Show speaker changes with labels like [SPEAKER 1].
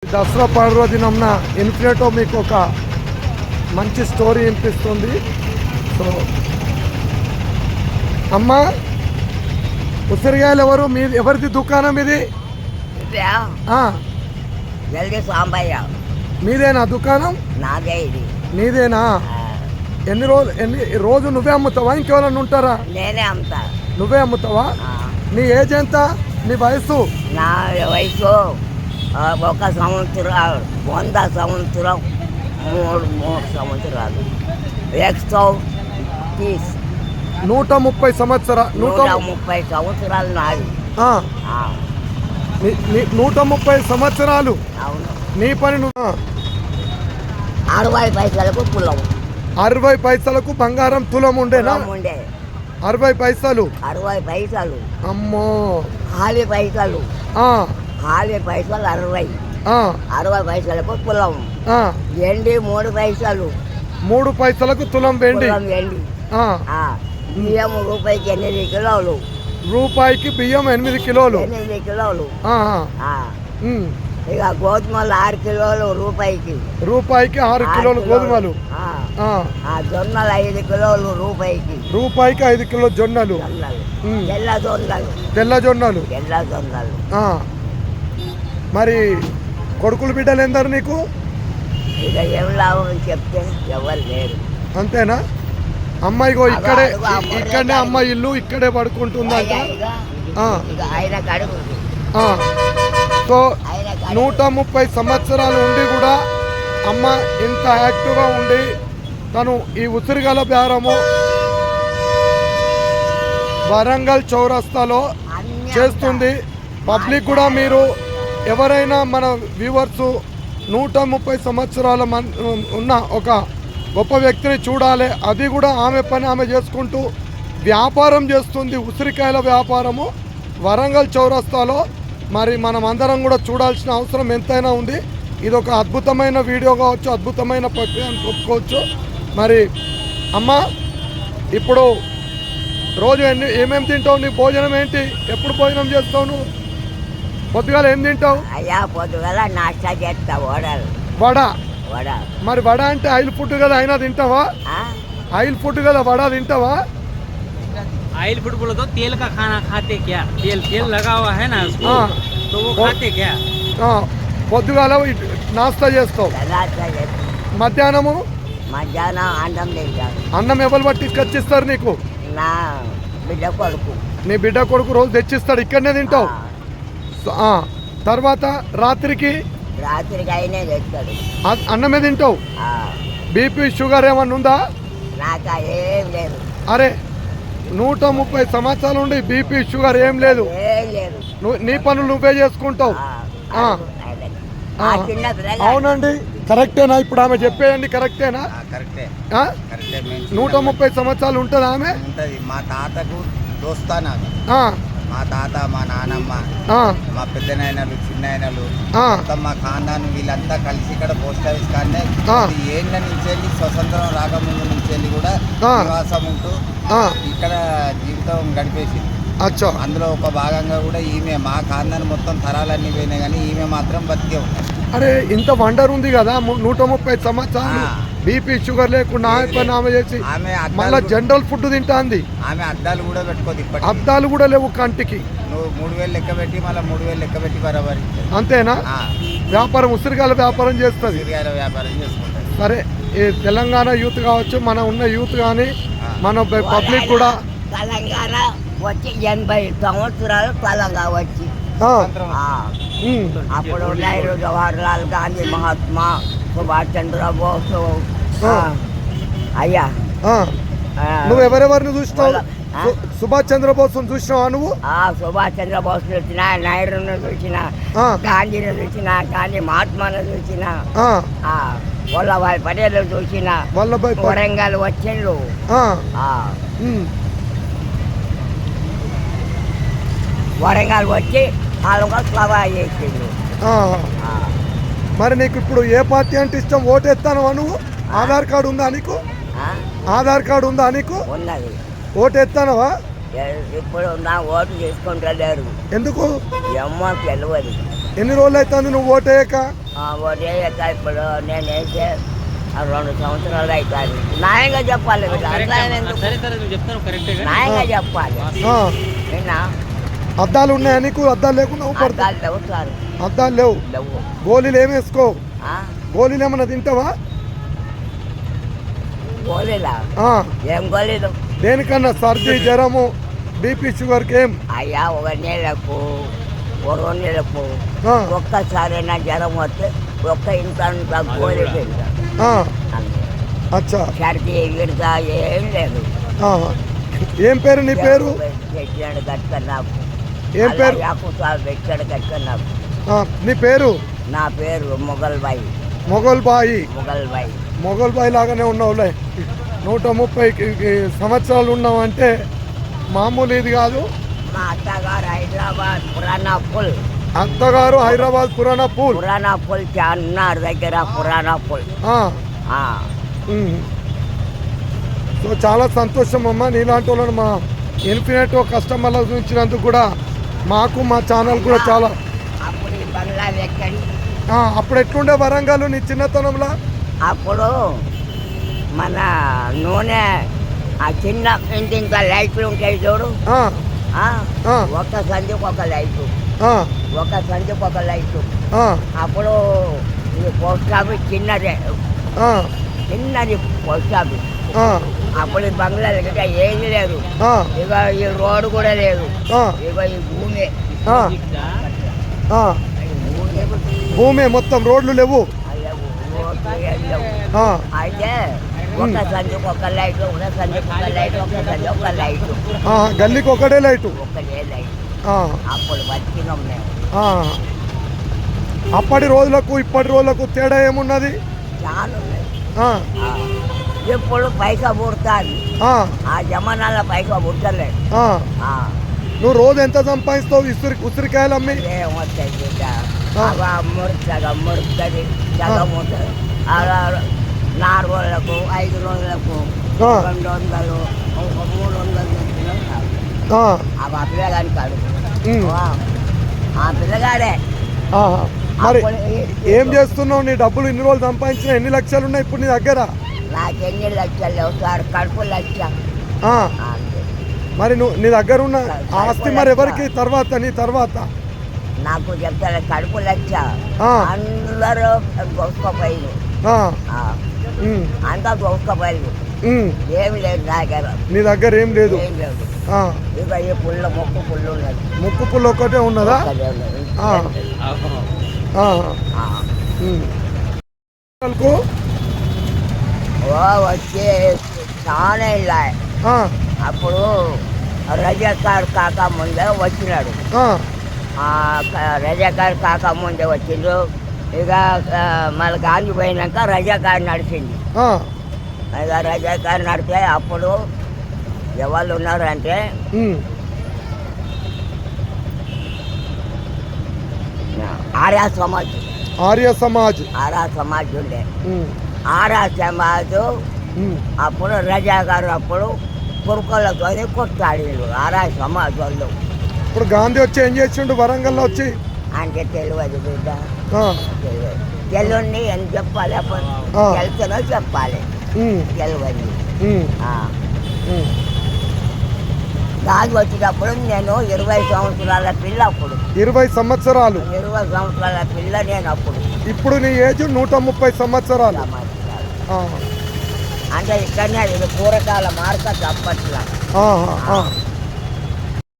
[SPEAKER 1] దసరా పర్వదినంన ఇన్ఫినిటో మీకు ఒక మంచి స్టోరీ వినిపిస్తుంది. సో అమ్మ, ఉసిరికాయలు ఎవరిది దుకాణం ఇది? మీదేనా దుకాణం?
[SPEAKER 2] నాదే ఇది.
[SPEAKER 1] నీదేనా? ఎన్ని రోజు నువ్వే అమ్ముతావా, ఇంకెవరన్నా ఉంటారా?
[SPEAKER 2] నేనే అమ్ముతా.
[SPEAKER 1] నువ్వే అమ్ముతావా? నీ ఏజ్ ఎంత? నీ వయసు?
[SPEAKER 2] నా వయసు 1 సంవత్సరం, 100 సంవత్సరం, 3 సంవత్సరాలు,
[SPEAKER 1] 130 సంవత్సరాలు.
[SPEAKER 2] 130 సంవత్సరాలు నాది.
[SPEAKER 1] 130 సంవత్సరాలు.
[SPEAKER 2] అవును.
[SPEAKER 1] నీ పని నువ్వు
[SPEAKER 2] 60 పైసలకు తులం.
[SPEAKER 1] 60 పైసలకు బంగారం తులం ఉండేనా? 60 పైసలు.
[SPEAKER 2] 60 పైసలు.
[SPEAKER 1] అమ్మో.
[SPEAKER 2] హాలి పైసలు. హాలి పైసలు 60. 60 పైసలకు తులం. వెండి 3 పైసలు.
[SPEAKER 1] 3 పైసలకు తులం వెండి.
[SPEAKER 2] బియ్యం రూపాయికి 8 కిలోలు.
[SPEAKER 1] రూపాయికి బియ్యం 8 కిలోలు.
[SPEAKER 2] 8 కిలోలు. ఇక గోధుమలు 6 కిలోలు రూపాయికి. 6
[SPEAKER 1] కిలోలు గోధుమలు.
[SPEAKER 2] జొన్నలు 5 కిలోలు రూపాయికి.
[SPEAKER 1] 5 కిలో జొన్నలు. తెల్ల జొన్నలు. మరి కొడుకులు బిడ్డలు ఎందరు నీకు?
[SPEAKER 2] ఇక ఏం లాభం చెప్తే ఎవరు లేరు.
[SPEAKER 1] అంతేనా? అమ్మాయిగో ఇక్కడనే అమ్మాయి ఇల్లు ఇక్కడే పడుకుంటుందంట. సో 130 సంవత్సరాలు ఉండి కూడా అమ్మ ఇంత యాక్టివ్గా ఉండి తను ఈ ఉసిరిగల బేరము వరంగల్ చౌరస్తాలో చేస్తుంది. పబ్లిక్ కూడా మీరు ఎవరైనా మన వ్యూవర్స్ 130 సంవత్సరాల ఉన్న ఒక గొప్ప వ్యక్తిని చూడాలి. అది కూడా ఆమె పని ఆమె చేసుకుంటూ వ్యాపారం చేస్తుంది, ఉసిరికాయల వ్యాపారము వరంగల్ చౌరస్తాలో. మరి మనం అందరం కూడా చూడాల్సిన అవసరం ఎంతైనా ఉంది. ఇది ఒక అద్భుతమైన వీడియో కావచ్చు, అద్భుతమైన ప్రక్రియ అని చెప్పుకోవచ్చు. మరి అమ్మ, ఇప్పుడు రోజు ఏమేమి తింటావు? నీ భోజనం ఏంటి? ఎప్పుడు భోజనం చేస్తావు నువ్వు? పొద్దుగాల ఏం తింటావు?
[SPEAKER 2] పొద్దుగాల నాష్టా చేస్తా.
[SPEAKER 1] వడ. మరి వడ అంటే ఆయిల్ ఫుడ్ కదా, అయినా తింటావా? ఆయిల్ ఫుడ్ కదా, వడ తింటావా?
[SPEAKER 3] ऑयल फूड बोलो तो तेल का खाना खाते क्या? तेल लगा हुआ है ना उसको, तो वो खाते क्या?
[SPEAKER 1] పొద్దుగాల నాస్తా చేస్తావు. మధ్యాహ్నం
[SPEAKER 2] అన్నం తింటాను.
[SPEAKER 1] అన్నం ఎవరు పట్టించుకొచ్చిస్తారు నీకు?
[SPEAKER 2] నా బిడ్డ కొడుకు.
[SPEAKER 1] నీ బిడ్డ కొడుకు రోజు తెచ్చిస్తాడు, ఇక్కడనే తింటావు. తర్వాత రాత్రికి
[SPEAKER 2] అయినా తెస్తాడు,
[SPEAKER 1] అన్నమే తింటావు. బీపీ షుగర్ ఏమన్నా ఉందా?
[SPEAKER 2] నాకు ఏం లేదు.
[SPEAKER 1] అరే 130 సంవత్సరాలు ఉండి బీపీ షుగర్ ఏం లేదు. నీ పనులు నువ్వే చేసుకుంటావు. అవునండి, కరెక్టేనా? ఇప్పుడు ఆమె చెప్పేయండి, కరెక్టేనా? 130 సంవత్సరాలు ఉంటుంది ఆమె.
[SPEAKER 4] మా తాతకు దోస్తానా, మా తాత, మా నానమ్మ, మా పెద్దనాయనలు, చిన్నాయనలు, మా ఖాందాను వీళ్ళంతా కలిసి ఇక్కడ పోస్ట్ ఆఫీస్ కానీ ఏళ్ళ నుంచి వెళ్ళి స్వతంత్రం రాకముందు నుంచి వెళ్ళి కూడా నివాసం ఉంటూ ఇక్కడ జీవితం గడిపేసి. అందులో ఒక భాగంగా కూడా ఈమె మా ఖాందాన్ని మొత్తం తరాలన్నీ పోయినాయి కానీ ఈమె మాత్రం బతికే ఉన్నాయి.
[SPEAKER 1] అరే ఇంత వండర్ ఉంది కదా, 130 సంవత్సరాలు బీపీ షుగర్ లేకుండా ఆమె చేసి మళ్ళీ జనరల్ ఫుడ్ తింటాంది.
[SPEAKER 4] ఆమె అద్దాలు కూడా పెట్టుకోదు.
[SPEAKER 1] అద్దాలు కూడా లేవు కంటికి.
[SPEAKER 4] నువ్వు 3000 లెక్క పెట్టి మళ్ళీ 3000 లెక్క పెట్టి బరాబరి.
[SPEAKER 1] అంతేనా? వ్యాపారం ఉసిరికాయల వ్యాపారం చేస్తుంది.
[SPEAKER 4] వ్యాపారం చేసుకుంటుంది.
[SPEAKER 1] సరే, ఈ తెలంగాణ యూత్ కావచ్చు, మన ఉన్న యూత్ కానీ మన పబ్లిక్ కూడా
[SPEAKER 2] తెలంగాణ వచ్చి 80 సంవత్సరాలు తెలంగాణ వచ్చి అప్పుడు నెహ్రూ, జవహర్లాల్ గాంధీ, మహాత్మా, సుభాష్ చంద్రబోస్. అయ్యా
[SPEAKER 1] నువ్వు ఎవరెవరిని చూసినావు? సుభాష్ చంద్రబోస్ చూసినావా నువ్వు?
[SPEAKER 2] సుభాష్ చంద్రబోస్ చూసిన, నెహ్రూను చూసిన, గాంధీని చూసిన, గాంధీ మహాత్మాను చూసిన, వల్లభాయ్ పటేల్ చూసిన, వరంగల్ వచ్చిండ్రు. వరంగల్ వచ్చి వాళ్ళగా సభ చేసిండ్రు.
[SPEAKER 1] మరి నీకు ఇప్పుడు ఏ పార్టీ అంటే ఇష్టం? ఓటు ఎత్తానవా నువ్వు? ఆధార్ కార్డు ఉందా నీకు? ఆధార్ కార్డు ఉందా నీకు?
[SPEAKER 2] ఉన్నది.
[SPEAKER 1] ఓటు ఎత్తానవా?
[SPEAKER 2] ఇప్పుడు నా ఓటు తీసుకుంటలేరు.
[SPEAKER 1] ఎందుకు?
[SPEAKER 2] ఏమో తెలియదు.
[SPEAKER 1] ఎన్ని రోజులు అవుతుంది నువ్వు ఓటేయక?
[SPEAKER 2] ఒకే ఇప్పుడు నేను వేసే 2 సంవత్సరాలు అవుతాయి. న్యాయంగా చెప్పాలి వీళ్ళు. అట్లా ఎందుకు?
[SPEAKER 3] సరే సరే నువ్వు చెప్తాను కరెక్టే కానీ
[SPEAKER 2] న్యాయంగా చెప్పాలి.
[SPEAKER 1] ఆ,
[SPEAKER 2] విన్నా?
[SPEAKER 1] అద్దాలు ఉన్నాయా నీకు? అద్దాలు లేకుండా ఊపడతా?
[SPEAKER 2] అద్దాలు లేవు సార్,
[SPEAKER 1] అద్దాలు లేవు.
[SPEAKER 2] లేవు.
[SPEAKER 1] గోళీలు ఏమి వేసుకో?
[SPEAKER 2] ఆ?
[SPEAKER 1] గోళీలు ఏమన్నా తింటావా?
[SPEAKER 2] గోళీలా?
[SPEAKER 1] ఆ,
[SPEAKER 2] ఏం గోళీలు?
[SPEAKER 1] దేనికన్నా సర్ది జ్వరము బీపీ షుగర్కి ఏం?
[SPEAKER 2] అయ్యా 1 నెలకు 2 నెలకు
[SPEAKER 1] ఆ,
[SPEAKER 2] ఒక్కసారైనా జ్వరం వస్తే ఒక్క ఇంత గోళీ తింటా
[SPEAKER 1] ఆ,
[SPEAKER 2] అంతే.
[SPEAKER 1] అచ్చా.
[SPEAKER 2] సర్ది గిడతా ఏం లేదు.
[SPEAKER 1] ఆ, ఏం పేరు నీ పేరు?
[SPEAKER 2] పెట్టాడు కట్ట నాకు.
[SPEAKER 1] ఏం పేరు?
[SPEAKER 2] యాకుసాలు పెట్టాడు కట్ట నాకు.
[SPEAKER 1] ఆ, నీ పేరు?
[SPEAKER 2] నా పేరు మొగల్ బాయి.
[SPEAKER 1] మొగల్ బాయి.
[SPEAKER 2] మొగల్ బాయి.
[SPEAKER 1] మొగల్ బాయి లాగానే ఉన్నావులే. 130 సంవత్సరాలు ఉన్నావంటే మామూలు ఇది కాదు.
[SPEAKER 2] మా అత్తగారు హైదరాబాద్ పురాణా పుల్.
[SPEAKER 1] అత్తగారు హైదరాబాద్ పురాణా పూల్.
[SPEAKER 2] పురాణా పుల్ చార్మినార్ దగ్గర పురాణా పుల్.
[SPEAKER 1] ఆ,
[SPEAKER 2] ఆ.
[SPEAKER 1] ఉమ్. సో చాలా సంతోషం అమ్మ, నీలాంటి వాళ్ళని మా ఇన్ఫినిట్ కస్టమర్ల ఉంచినందుకు కూడా మాకు మా ఛానల్ కూడా చాలా.
[SPEAKER 2] అప్పుడు ఈ బంగ్లా ఎక్కడి
[SPEAKER 1] అప్పుడు ఎట్లుండే వరంగల్ నీ చిన్నతనంలో?
[SPEAKER 2] అప్పుడు మన నూనె ఆ చిన్న ఇంటి ఇంకా లైట్లు ఉంటాయి చూడు.
[SPEAKER 1] ఆ,
[SPEAKER 2] ఆ?
[SPEAKER 1] ఆ.
[SPEAKER 2] ఒక సంధికి ఒక లైటు,
[SPEAKER 1] ఆ,
[SPEAKER 2] ఒక సంధికి ఒక లైటు.
[SPEAKER 1] ఆ,
[SPEAKER 2] అప్పుడు ఈ పోస్ట్ ఆఫీస్ చిన్నదే,
[SPEAKER 1] ఆ,
[SPEAKER 2] చిన్నది పోస్ట్ ఆఫీస్.
[SPEAKER 1] ఆ,
[SPEAKER 2] అప్పుడు ఈ బంగ్లాలు ఇంకా ఏది లేదు.
[SPEAKER 1] ఆ,
[SPEAKER 2] ఇక ఈ రోడ్డు కూడా లేదు.
[SPEAKER 1] ఆ,
[SPEAKER 2] ఇక ఈ భూమి
[SPEAKER 1] ఆ, ఆ. భూమి మొత్తం, రోడ్లు లేవు.
[SPEAKER 2] రోడ్డు ఏం లేవు.
[SPEAKER 1] ఆ,
[SPEAKER 2] అయితే ఒక సంధికి ఒక లైటు, ఒక సంధికి ఒక లైటు, ఒక సంధి ఒక లైటు,
[SPEAKER 1] ఆ, గల్లీకి ఒకటే లైటు.
[SPEAKER 2] ఒకటే లైట్.
[SPEAKER 1] ఆ,
[SPEAKER 2] అప్పుడు బతికినాం మేము.
[SPEAKER 1] ఆ. అప్పటి రోజులకు ఇప్పటి రోజులకు తేడా ఏమున్నది?
[SPEAKER 2] చాలా ఉన్నాయి.
[SPEAKER 1] ఆ,
[SPEAKER 2] ఆ. ఇప్పుడు పైసా పుడతాది.
[SPEAKER 1] ఆ,
[SPEAKER 2] ఆ జమానాలో పైసా పుట్టలేదు.
[SPEAKER 1] ఆ.
[SPEAKER 2] ఆ.
[SPEAKER 1] నువ్వు రోజు ఎంత సంపాదిస్తావు ఉసిరికాయలు అమ్మి?
[SPEAKER 2] ఏమొస్తాయి బిడ్డ?
[SPEAKER 1] ఆ.
[SPEAKER 2] అవి సగం ముడుతుంది, సగం ఉంటుంది. అలా 4 రోజులకు 5 రోజులకు
[SPEAKER 1] ఆ.
[SPEAKER 2] 200, ఒక 300 తెచ్చినాం కాదు.
[SPEAKER 1] ఆ,
[SPEAKER 2] అవి ఆ పిల్లగాని కాడు.
[SPEAKER 1] ఉమ్.
[SPEAKER 2] ఆ పిల్లగాడే.
[SPEAKER 1] ఆహా. మరి
[SPEAKER 2] అప్పుడు
[SPEAKER 1] ఏం చేస్తున్నావు? నీ డబ్బులు ఇన్ని రోజులు సంపాదించిన ఎన్ని లక్షలు ఉన్నాయి ఇప్పుడు నీ దగ్గర?
[SPEAKER 2] నాకు ఎన్ని లక్షలు లేవు సార్, కడుపు లక్ష.
[SPEAKER 1] ఆ,
[SPEAKER 2] అంతే.
[SPEAKER 1] మరి నువ్వు నీ దగ్గర ఉన్న ఆస్తి మరి ఎవరికి తర్వాత? నీ తర్వాత?
[SPEAKER 2] నాకు చెప్తాను కడుపు లక్ష.
[SPEAKER 1] ఆ.
[SPEAKER 2] అందరూ దోసుకోపోయింది.
[SPEAKER 1] ఆ,
[SPEAKER 2] ఆ.
[SPEAKER 1] ఉమ్,
[SPEAKER 2] అంతా దోసుకోపోయింది.
[SPEAKER 1] ఉమ్.
[SPEAKER 2] ఏమి లేదు నా దగ్గర.
[SPEAKER 1] నీ దగ్గర ఏం లేదు.
[SPEAKER 2] ఏం లేదు.
[SPEAKER 1] ఆ,
[SPEAKER 2] ఇక ఈ పుల్ల మొక్కు పుల్లు ఉన్నది.
[SPEAKER 1] ముక్కు పుల్ల ఒక్కటే ఉన్నదా?
[SPEAKER 2] ఒక్కటే ఉన్నది.
[SPEAKER 1] ఆ. ఆ,
[SPEAKER 2] ఆ.
[SPEAKER 1] ఉమ్. వాళ్ళకు,
[SPEAKER 2] వచ్చి చాలా ఇలా.
[SPEAKER 1] ఆ,
[SPEAKER 2] అప్పుడు రజాకార్ కాక ముందే వచ్చినాడు.
[SPEAKER 1] ఆ,
[SPEAKER 2] రజాకార్ కాక ముందే వచ్చిండు. ఇక మళ్ళీ గాంధీ పోయినాక రజాకార్ నడిచింది.
[SPEAKER 1] ఆ,
[SPEAKER 2] ఇక రజాకార్ నడితే అప్పుడు ఎవరు ఉన్నారంటే
[SPEAKER 1] ఉమ్.
[SPEAKER 2] ఆర్య సమాజ్.
[SPEAKER 1] ఆర్య సమాజ్.
[SPEAKER 2] ఆర్య సమాజ్ ఉండే.
[SPEAKER 1] ఉమ్,
[SPEAKER 2] ఆర్య సమాజ్
[SPEAKER 1] ఉమ్.
[SPEAKER 2] అప్పుడు రజాకారు అప్పుడు కురుకలతో కొట్టాడు ఆర్య సమాజ్ వాళ్ళు.
[SPEAKER 1] ఇప్పుడు గాంధీ వచ్చి ఏం చేసిండు వరంగల్లో వచ్చి?
[SPEAKER 2] అంటే తెలియదు బిడ్డ,
[SPEAKER 1] ఆ,
[SPEAKER 2] తెలియదు. తెలియని అని చెప్పాలి. అప్పుడు
[SPEAKER 1] ఆ.
[SPEAKER 2] తెలుసునో చెప్పాలి.
[SPEAKER 1] ఉమ్,
[SPEAKER 2] తెలియదు.
[SPEAKER 1] ఉమ్,
[SPEAKER 2] ఆ.
[SPEAKER 1] ఉమ్.
[SPEAKER 2] గాంధీ వచ్చినప్పుడు నేను 20 సంవత్సరాల పిల్ల. అప్పుడు
[SPEAKER 1] 20 సంవత్సరాలు.
[SPEAKER 2] 20 సంవత్సరాల పిల్ల నేను అప్పుడు.
[SPEAKER 1] ఇప్పుడు నీ ఏజ్ 130 సంవత్సరాలు.
[SPEAKER 2] సమాచారం.
[SPEAKER 1] ఆ,
[SPEAKER 2] అంటే ఇక్కడనే ఇది పూరకాల మార్కెట్ అప్పట్లో.
[SPEAKER 1] ఆహా, ఆ.